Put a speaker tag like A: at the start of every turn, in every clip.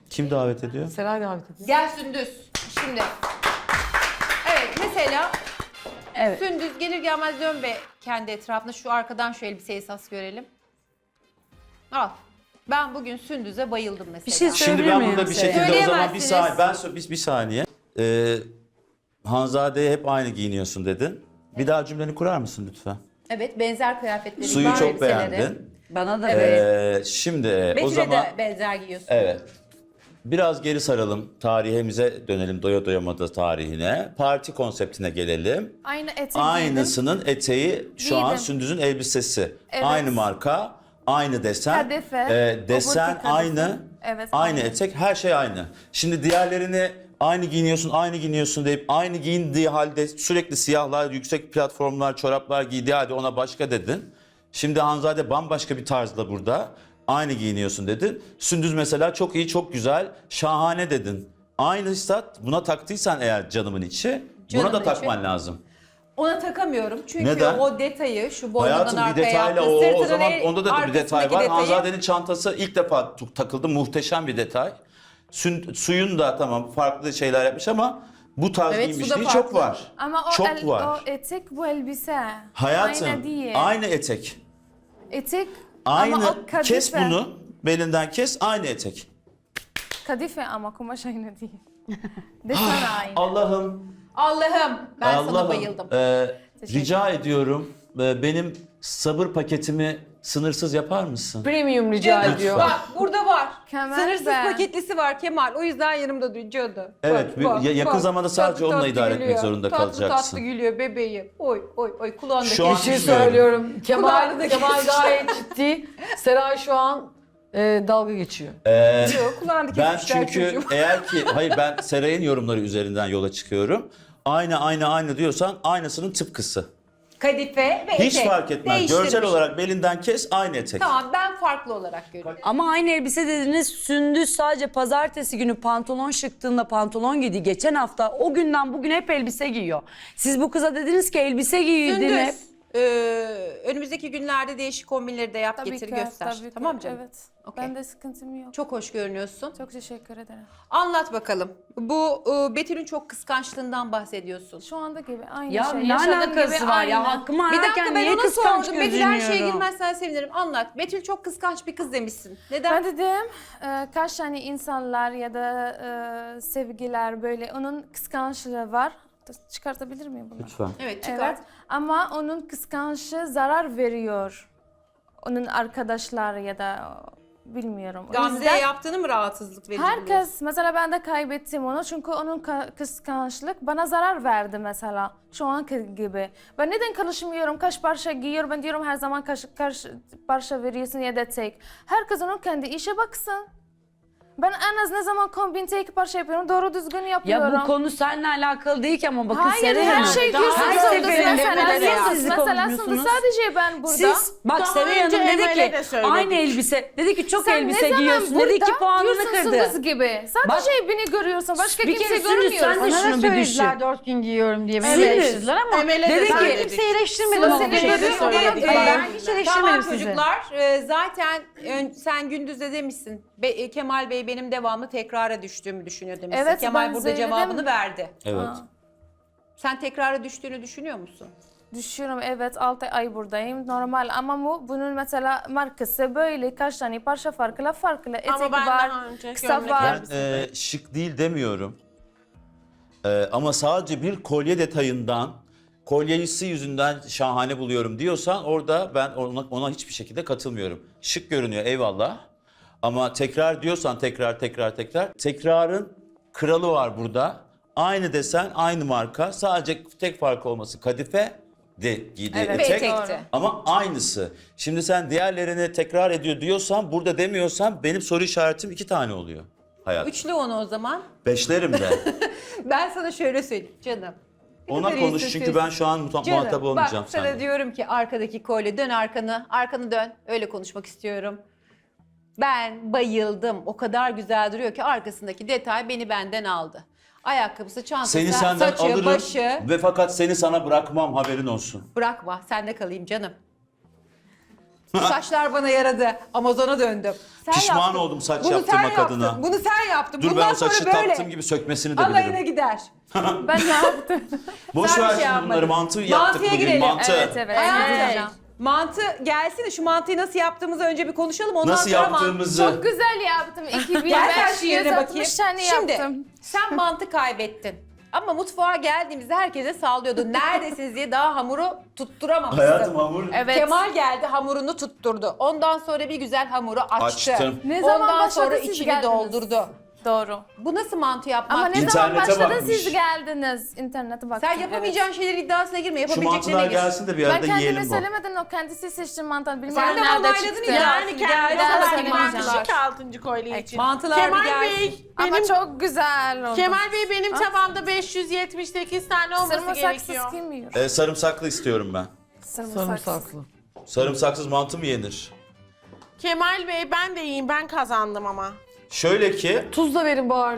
A: Kim davet ediyor?
B: Seray davet ediyor.
C: Gel Sündüz. Şimdi. Evet mesela
D: Evet.
C: Sündüz gelir gelmez dön be kendi etrafına. Şu arkadan şu elbiseyi esas görelim. Al. Ben bugün Sündüz'e bayıldım mesela.
D: Bir şey
A: Şimdi
D: Söyleyebilir
A: ben
D: miyim
A: burada bir
D: size?
A: şekilde o zaman bir
C: Söyleyemezsiniz.
A: saniye, bir saniye. Hanzade'ye hep aynı giyiniyorsun dedin. Bir daha cümleni kurar mısın lütfen?
C: Evet, benzer kıyafetleri.
A: Suyu
C: var,
A: çok
C: elbiseleri.
A: beğendin.
D: Bana da
A: Şimdi o
C: Betül'e
A: zaman
C: de benzer giyiyorsun.
A: evet. Biraz geri saralım. Tarihimize dönelim. Doya doyamadı tarihine. Parti konseptine gelelim.
E: Aynı etek
A: Aynısının eteği şu an
E: Giydim.
A: Sündüz'ün elbisesi.
E: Evet.
A: Aynı marka, aynı desen.
E: Kadife,
A: Desen
E: oburki kadife.
A: aynı.
E: Evet,
A: Aynı
E: aynı.
A: etek, her şey aynı. Şimdi diğerlerini aynı giyiniyorsun deyip aynı giyindiği halde sürekli siyahlar, yüksek platformlar, çoraplar giydiği halde ona başka dedin. Şimdi Hanzade bambaşka bir tarzla burada. Aynı giyiniyorsun dedin. Sündüz mesela çok iyi, çok güzel, şahane dedin. Aynı hissat buna taktıysan eğer canımın içi, buna da
C: Canımın
A: takman
C: içi.
A: lazım.
C: Ona takamıyorum çünkü
A: Neden?
C: o detayı şu boynundan
A: Hayatım bir
C: arkaya
A: detayla
C: yaptı.
A: o
C: Sırtının
A: zaman onda da bir detay
C: arkasındaki
A: var.
C: detayı-
A: Hanzade'nin çantası ilk defa takıldı. Muhteşem bir detay. Suyun da tamam farklı şeyler yapmış ama bu tarz
C: Evet, su da
A: giymişliği
C: farklı.
A: çok var.
E: Ama
A: çok var.
E: o etek bu elbise.
A: Hayatım
E: Aynı değil.
A: aynı etek.
E: Etek
A: Aynı
E: ama o kadife.
A: kes bunu belinden kes aynı etek.
E: Kadife ama kumaş aynı değil. Desen aynı.
A: Allah'ım
C: Allah'ım ben sana
A: Allah'ım
C: bayıldım.
A: rica ediyorum benim sabır paketimi sınırsız yapar mısın?
B: Premium rica
C: Canım,
B: ediyor.
C: Bak burada var.
E: Kemal
C: Sınırsız
E: be.
C: paketlisi var Kemal. O yüzden yanımda duruyordu.
A: Evet, yakın zamanda sadece
C: Tatlı
A: onunla
C: tatlı
A: idare etmek
C: gülüyor.
A: zorunda
C: tatlı
A: kalacaksın.
C: Tatlı gülüyor bebeğim. Oy oy oy kulağındaki.
A: Şu an
B: Bir şey
A: bilmiyorum.
B: söylüyorum.
C: Kulağını da
B: Kemal
C: kesmiş.
B: gayet ciddi. Seray şu an dalga geçiyor.
C: Yok, kulağını
A: Ben
C: kesmişler
A: çünkü
C: çocuğum.
A: eğer ki hayır ben Seray'ın yorumları üzerinden yola çıkıyorum. Aynı diyorsan aynısının tıpkısı.
C: Kadife ve
A: Hiç
C: etek.
A: fark etmez.
C: Değiştirmiş.
A: Görsel olarak belinden kes aynı etek.
C: Tamam ben farklı olarak görüyorum.
D: Ama aynı elbise dediniz. Sündüz sadece pazartesi günü pantolon şıktığında pantolon giydi. Geçen hafta o günden bugün hep elbise giyiyor. Siz bu kıza dediniz ki elbise giydin hep.
C: Sündüz. Önümüzdeki günlerde değişik kombinleri de yap getir göster.
E: tabii ki.
C: Tamam canım?
E: Evet.
C: Okey.
E: Ben de sıkıntım yok.
C: Çok hoş görünüyorsun.
E: Çok teşekkür ederim.
C: Anlat bakalım. Bu Betül'ün çok kıskançlığından bahsediyorsun.
E: Şu anda gibi aynı
D: Ya
E: şey.
D: ne
E: Yaşadığım
D: alakası
E: gibi
D: var
E: aynı.
D: ya? Hakkımı
C: Bir dakika
D: ararken
C: ben
D: niye
C: ona
D: kıskanç
C: sordum. Betül her şeye
D: gözünüyorum?
C: girmezsen sevinirim. Anlat. Betül çok kıskanç bir kız demişsin. Neden?
E: Ben dedim kaç tane insanlar ya da sevgiler böyle onun kıskançlığı var. Çıkartabilir miyim bunu?
A: Lütfen.
C: Evet çıkar.
E: Evet ama onun kıskançlığı zarar veriyor. Onun arkadaşlar ya da bilmiyorum. O
C: Gamze'ye
E: yüzden
C: yaptığını mı rahatsızlık verici buluyorsun?
E: herkes mesela ben de kaybettim onu çünkü onun kıskançlık bana zarar verdi mesela şu anki gibi. Ben neden karışmıyorum kaç parça giyiyor ben diyorum her zaman kaç parça veriyorsun ya da tek. Herkes onun kendi işe baksın. Ben en az ne zaman kombin tek parça yapıyorum doğru düzgün yapıyorum.
D: Ya bu konu seninle alakalı değil ki ama bakın
E: Hayır
D: Seray
E: her
D: Hanım.
E: şey
B: Daha
E: diyorsun.
B: her
E: Sündüz
B: seferinde
E: mesela
B: Emel'e de
E: Sündüz,
D: yap.
E: mesela
D: konuşmuyorsunuz.
E: Sündüz sadece ben burada.
D: Siz bak
B: Daha
D: Seray Hanım
B: önce
D: dedi
B: Emel'e
D: ki
B: de söyledik.
D: aynı elbise. Dedi ki çok
E: Sen
D: elbise
E: ne zaman
D: giyiyorsun. Dedi ki
E: burada
D: puanını
E: diyorsun
D: kırdı.
E: Sündüz gibi. Sadece beni görüyorsun. Başka
D: Bir
E: kimse
D: kere Sündüz,
E: görmüyorsun.
D: sen de
F: Bana
D: şunu
F: da
D: bir
F: söylediler
D: düşün.
F: 4 gün giyiyorum diye beni
D: Sündüz.
F: eleştirdiler ama
B: Emel'e
D: Dedi
B: de
D: ki-
F: ben
B: söyledik.
F: kimseyi eleştirmedim
E: Sıla
F: ama
E: seni
F: bu şeyde
E: görüyor,
F: söyledik.
E: tamam,
F: Ben hiç
C: Tamam
F: eleştirmedim sizi.
C: çocuklar zaten sen gündüzde demişsin. Kemal Bey benim devamlı tekrara düştüğümü düşünüyor demişsin.
E: Evet,
C: Kemal
E: ben
C: burada
E: söyledim.
C: cevabını verdi.
A: Evet.
C: Sen tekrara düştüğünü düşünüyor musun?
E: Düşüyorum evet 6 ay buradayım normal ama bunun mesela markası böyle kaç tane parça farklı etek
B: Ama ben
E: var
B: daha önce
E: kısa
B: gömlek
E: var.
A: Ben şık değil demiyorum. Ama sadece bir kolye detayından, kolyesi yüzünden şahane buluyorum diyorsan orada ben ona hiçbir şekilde katılmıyorum. Şık görünüyor eyvallah. Ama tekrar diyorsan tekrar. Tekrarın kralı var burada. Aynı desen, aynı marka. Sadece tek farkı olması kadife de giydiği
E: Evet,
A: etek.
C: ve etekti.
A: Ama aynısı. Şimdi sen diğerlerini tekrar ediyor diyorsan, burada demiyorsan benim soru işaretim 2 tane oluyor. Hayat.
C: Üçlü onu o zaman.
A: Beşlerim de.
C: Ben sana şöyle söyleyeyim canım. Ne
A: Ona
C: kadar
A: konuş
C: iyi
A: çünkü
C: sözlüsün.
A: ben şu an muhatap olmayacağım
C: bak sana
A: seninle.
C: diyorum ki arkadaki kolye dön arkanı dön. Öyle konuşmak istiyorum. Ben bayıldım. O kadar güzel duruyor ki arkasındaki detay beni benden aldı. Ayakkabısı, çantası,
A: Seni senden
C: saçı,
A: alırım
C: başı.
A: ve fakat seni sana bırakmam haberin olsun.
C: Bırakma, sende kalayım canım. Bu saçlar bana yaradı. Amazon'a döndüm. Sen
A: Pişman
C: yaptın.
A: oldum saç
C: Bunu
A: yaptırmak
C: sen yaptın.
A: adına.
C: Bunu sen yaptın.
A: Dur
C: Bundan
A: ben o saçı
C: sonra böyle
A: taktığım gibi sökmesini de
C: alayına
A: bilirim.
C: gider.
E: Ben ne yaptım?
A: Boş
C: Sen bir
A: ver
C: şey
A: şimdi bunları.
C: yapmadın.
A: Mantı yaptık
C: Mantıya
A: bugün.
C: girelim.
A: Mantı.
E: Evet.
C: Hayatım, mantı gelsin de şu mantıyı nasıl yaptığımızı önce bir konuşalım. Ondan
A: Nasıl
C: sonra
A: yaptığımızı.
E: Çok güzel yaptım.
C: Gel sen şu yerine bakayım.
E: 2560 tane
C: Şimdi
E: yaptım.
C: sen mantı kaybettin. Ama mutfağa geldiğimizde herkese sallıyordu. Neredesiniz diye daha hamuru tutturamamıştın.
A: Hayatım hamur
E: Evet.
C: Kemal geldi hamurunu tutturdu. Ondan sonra bir güzel hamuru açtı.
A: Açtım.
E: Ne zaman
C: Ondan
E: başladı
C: sonra
E: siz
C: içini
E: geldiniz?
C: doldurdu.
E: Doğru.
C: Bu nasıl mantı yapmak?
E: Ama ne
A: İnternete
E: zaman başladı
A: bakmış.
E: siz geldiniz? İnternete baktım.
C: Sen yapamayacağın şeylerin iddiasına girme.
A: Şu
C: Yapabileceklerine
A: mantılar
C: gir.
A: gelsin de bir
E: Ben
A: arada
E: kendime
A: yiyelim bu.
E: söylemeden o kendisi seçti mantar. Bilmiyorum
C: Sen de
E: nerede
C: onayladın
E: çıktı.
C: ya.
F: Yani
C: Geldi,
F: kendine
C: daha
F: kadar
C: söylemeyeceğim.
F: mantışı ki 6. kolye için.
C: Mantılar bir
F: Kemal
C: gelsin.
F: Bey,
E: Ama
F: benim
E: çok güzel oldu.
F: Kemal Bey benim tabağımda 578 tane olması
E: Sarımsaksız
F: gerekiyor.
E: kim yiyor?
A: Sarımsaklı istiyorum ben.
B: Sarımsaklı.
A: Sarımsaksız mantı mı yenir?
F: Kemal Bey ben de yiyeyim, ben kazandım ama.
A: Şöyle ki
B: Tuz da verin bari.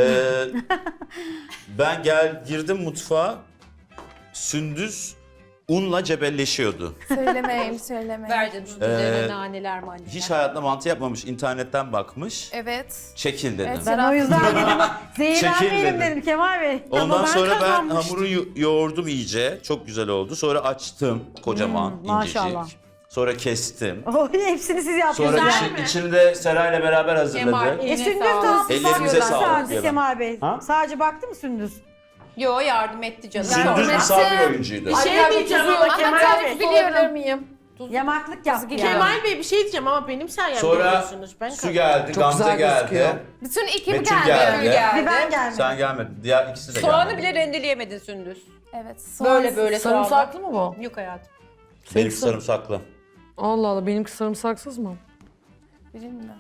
A: ben girdim mutfağa. Sündüz unla cebelleşiyordu.
E: Söylemeyin.
C: Ver canım şu üzerine naneler maneler.
A: Hiç hayatında mantı yapmamış. İnternetten bakmış.
E: Evet.
A: Çekil dedim.
E: Evet.
G: Ben o yüzden dedim,
A: Çekil
G: zehirlenmeyelim
A: dedim.
G: dedim Kemal Bey.
A: Ondan
G: Ama
A: sonra ben
G: kazanmıştım.
A: hamuru yoğurdum iyice. Çok güzel oldu. Sonra açtım kocaman incecik.
G: maşallah.
A: Sonra kestim.
G: Oh, hepsini siz yaptınız.
A: Sonra
G: yani.
A: içini de Seray'la beraber
C: Kemal,
A: hazırladık.
C: eline
G: Sündüz
C: sağlık.
G: nasıl
A: Ellerinize
G: baktı
A: sağlık
G: sadece
A: diyorum.
G: Kemal Bey?
A: Ha?
G: Sadece baktı mı Sündüz?
C: Yo yardım etti canım.
A: Sündüz misafir oyuncuydu.
F: Bir şey diyeceğim ama Kemal
E: tarif
F: Bey.
E: biliyorum.
C: miyim?
G: Yamaklık yaptı yani.
F: Kemal Bey bir şey diyeceğim ama benim sayemde
A: Sonra
F: yiyorsunuz. Ben
A: su geldi,
B: Çok
A: Gamze
B: güzel
A: geldi.
B: gözüküyor.
E: Bütün ekip
A: Betül
E: geldi.
A: geldi.
G: Bir ben gelmedim.
A: Sen gelmedin. Diğer ikisi de
C: Soğanı
A: gelmedi.
C: bile rendeleyemedin Sündüz.
E: Evet.
C: Böyle böyle
B: Sarımsaklı mı bu?
C: Yok hayatım.
A: Benimki sarımsaklı.
B: Allah Allah benimki sarımsaksız mı?
E: Bilmiyorum.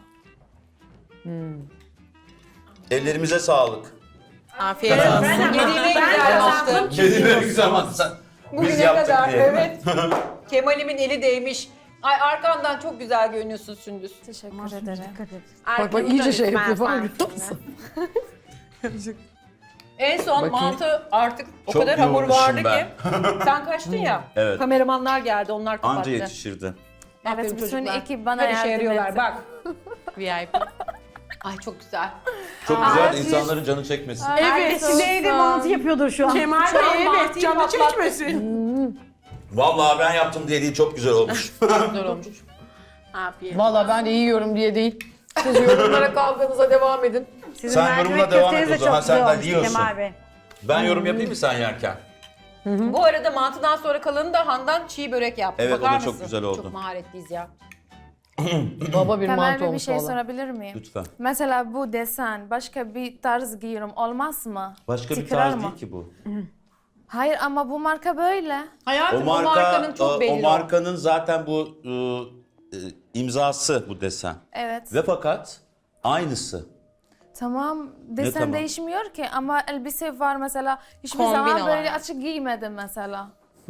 A: Ellerimize sağlık.
F: Afiyet olsun.
C: Yediğime güzel yaptın.
A: Kedime güzel sen. Biz
C: Bugüne
A: yaptık
C: kadar
A: diye.
C: evet. Kemal'imin eli değmiş. Ay arkandan çok güzel görünüyorsun Sündüz.
E: Teşekkür ederim.
B: Bak bak iyice şey yapıyor falan görüyor musun?
C: En son
B: Bakayım.
C: mantı artık o
A: Çok
C: kadar hamur
A: yoğurmuşum
C: vardı
A: ben.
C: ki. Sen kaçtın ya.
A: Evet.
C: Kameramanlar geldi onlar kapattı.
A: Anca yetişirdi.
C: Aferin
E: Evet, bütün
C: çocuklar.
E: ekip bana
C: Her işe
E: yardım
C: yarıyorlar
E: etti.
C: bak.
F: VIP.
C: Ay çok güzel.
A: Çok güzel insanların canı çekmesin.
F: Evet.
G: Neydi mantı yapıyordur şu an.
F: Kemal
C: Şu an
F: Bey evet
C: mantıyı
F: canı
C: patlattı.
F: çekmesin.
A: Vallahi ben yaptım diye değil çok güzel olmuş.
C: Güzel olmuş.
F: Afiyet.
B: Valla ben de yiyorum diye değil. Siz yorumlara kavganıza devam edin.
G: Sizin
A: Sen
G: mercimek
A: yorumuna devam
G: köfteniz
A: et o
G: de
A: zaman,
G: çok
A: sen
G: güzel
A: de
G: olmuştu
A: yiyorsun.
G: Kemal Bey.
A: Ben yorum yapayım mı sen yerken?
C: Bu arada mantıdan sonra kalanı da Handan çiğ börek yaptı.
A: Evet, o
C: Bakar
A: da çok
C: mısın?
A: güzel oldu.
C: Çok maharetliyiz ya.
B: Baba bir
E: Kemal
B: mantı
E: Bey bir
B: olmuş
E: şey
B: valla.
E: sorabilir miyim?
A: Lütfen.
E: Mesela bu desen başka bir tarz giyiyorum olmaz mı?
A: Başka bir
E: Tekrar
A: tarz
E: mı?
A: değil ki bu.
E: Hayır ama bu marka böyle.
C: Hayatım o markanın çok belli.
A: o markanın zaten bu imzası bu desen.
E: Evet.
A: Ve fakat aynısı.
E: Tamam desen
A: tamam?
E: değişmiyor ki ama elbise var mesela hiçbir
F: Kombin
E: zaman
F: olarak.
E: böyle açık giymedim mesela.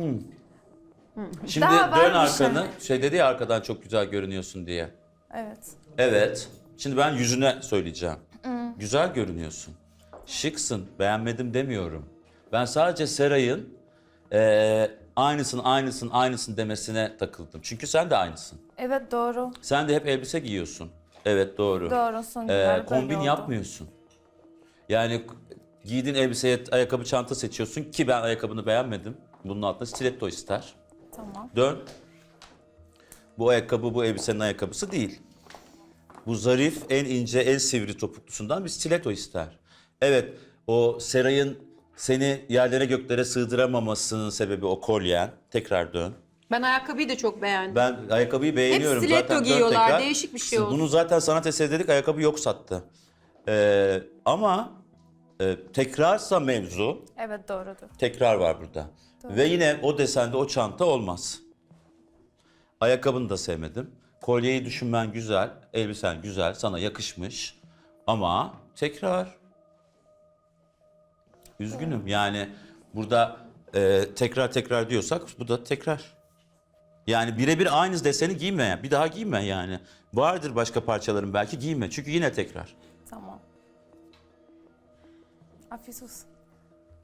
A: Şimdi
E: Daha var
A: dön
E: bir şey.
A: arkanı. Şey dedi ya arkadan çok güzel görünüyorsun diye.
E: Evet.
A: Evet. Şimdi ben yüzüne söyleyeceğim. Güzel görünüyorsun. Şıksın. Beğenmedim demiyorum. Ben sadece Seray'ın aynısın demesine takıldım. Çünkü sen de aynısın.
E: Evet doğru.
A: Sen de hep elbise giyiyorsun. Evet doğru.
E: Doğru son günler böyle
A: Kombin
E: oldu.
A: yapmıyorsun. Yani giydiğin elbiseye ayakkabı çanta seçiyorsun ki ben ayakkabını beğenmedim. Bunun altında stiletto ister.
E: Tamam.
A: Dön. Bu ayakkabı bu elbisenin ayakkabısı değil. Bu zarif, en ince, en sivri topuklusundan bir stiletto ister. Evet, o Seray'ın seni yerlere göklere sığdıramamasının sebebi o kolyen. Tekrar dön.
C: Ben ayakkabıyı da çok beğendim.
A: Ben ayakkabıyı beğeniyorum.
C: stiletto
A: zaten. Dön
C: giyiyorlar,
A: tekrar.
C: değişik bir şey oldu.
A: Bunu zaten sanat eseri dedik, ayakkabı yok sattı. Ama tekrarsa mevzu,
E: Evet doğrudur.
A: tekrar var burada. Ve yine o desende o çanta olmaz. Ayakkabını da sevmedim. Kolyeyi düşünmen güzel, elbisen güzel, sana yakışmış. Ama tekrar. Üzgünüm yani burada tekrar diyorsak bu da tekrar. Yani birebir aynı deseni giyme, bir daha giyme yani. Vardır başka parçaların belki giyme çünkü yine tekrar.
E: Tamam. Afiyet olsun.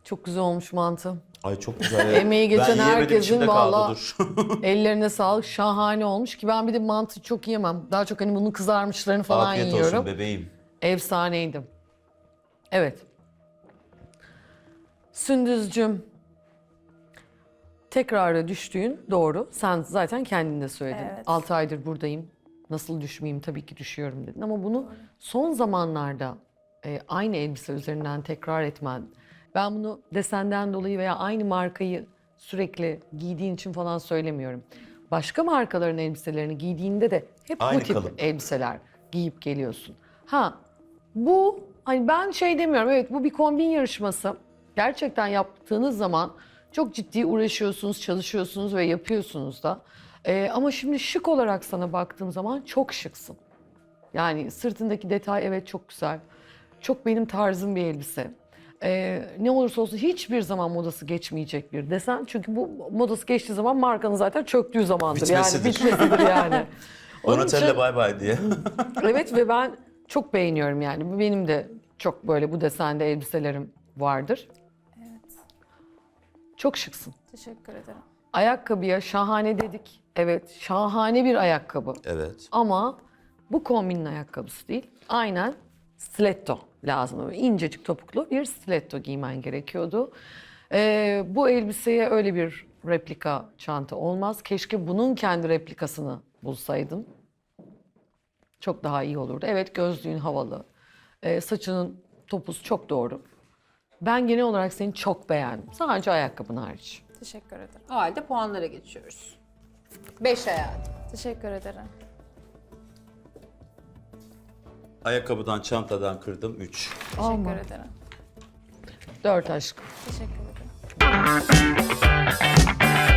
B: Çok güzel olmuş mantı.
A: Ay çok güzel.
B: Emeği geçen
A: Ben yiyemedim,
B: herkesin
A: içimde kaldı,
B: valla
A: dur.
B: ellerine sağlık. Şahane olmuş ki ben bir de mantı çok yiyemem. Daha çok hani bunun kızarmışlarını falan
A: Afiyet
B: yiyorum.
A: olsun bebeğim.
B: Efsaneydi. Evet. Sündüzcüm, tekrara düştüğün doğru. Sen zaten kendin de söyledin.
E: Evet.
B: 6 aydır buradayım. Nasıl düşmeyeyim? Tabii ki düşüyorum dedin. Ama bunu son zamanlarda aynı elbise üzerinden tekrar etmen. Ben bunu desenden dolayı veya aynı markayı sürekli giydiğin için falan söylemiyorum. Başka markaların elbiselerini giydiğinde de hep
A: Aynı
B: bu tip
A: kalıp.
B: elbiseler giyip geliyorsun. Ha, bu hani ben şey demiyorum, evet bu bir kombin yarışması. Gerçekten yaptığınız zaman çok ciddi uğraşıyorsunuz, çalışıyorsunuz ve yapıyorsunuz da. Ama şimdi şık olarak sana baktığım zaman çok şıksın. Yani sırtındaki detay evet çok güzel. Çok benim tarzım bir elbise. Ne olursa olsun hiçbir zaman modası geçmeyecek bir desen. Çünkü bu modası geçtiği zaman markanın zaten çöktüğü zamandır.
A: Bitmesidir.
B: Yani bitmesidir yani. Onun
A: Donatella
B: için-
A: bay bay diye.
B: Evet ve ben çok beğeniyorum yani. Benim de çok böyle bu desende elbiselerim vardır.
E: Evet.
B: Çok şıksın.
E: Teşekkür ederim.
B: Ayakkabıya şahane dedik. Evet, şahane bir ayakkabı.
A: Evet.
B: Ama bu kombinin ayakkabısı değil. Aynen stiletto lazım. Böyle incecik topuklu bir stiletto giymen gerekiyordu. Bu elbiseye öyle bir replika çanta olmaz. Keşke bunun kendi replikasını bulsaydın. Çok daha iyi olurdu. Evet, gözlüğün havalı. Saçının topuz çok doğru. Ben genel olarak seni çok beğendim. Sadece ayakkabın hariç.
E: Teşekkür ederim.
C: O halde puanlara geçiyoruz. 5 hayatım.
E: Teşekkür ederim.
A: Ayakkabıdan, çantadan kırdım 3.
E: Teşekkür ederim.
B: 4 aşkım.
E: Teşekkür ederim.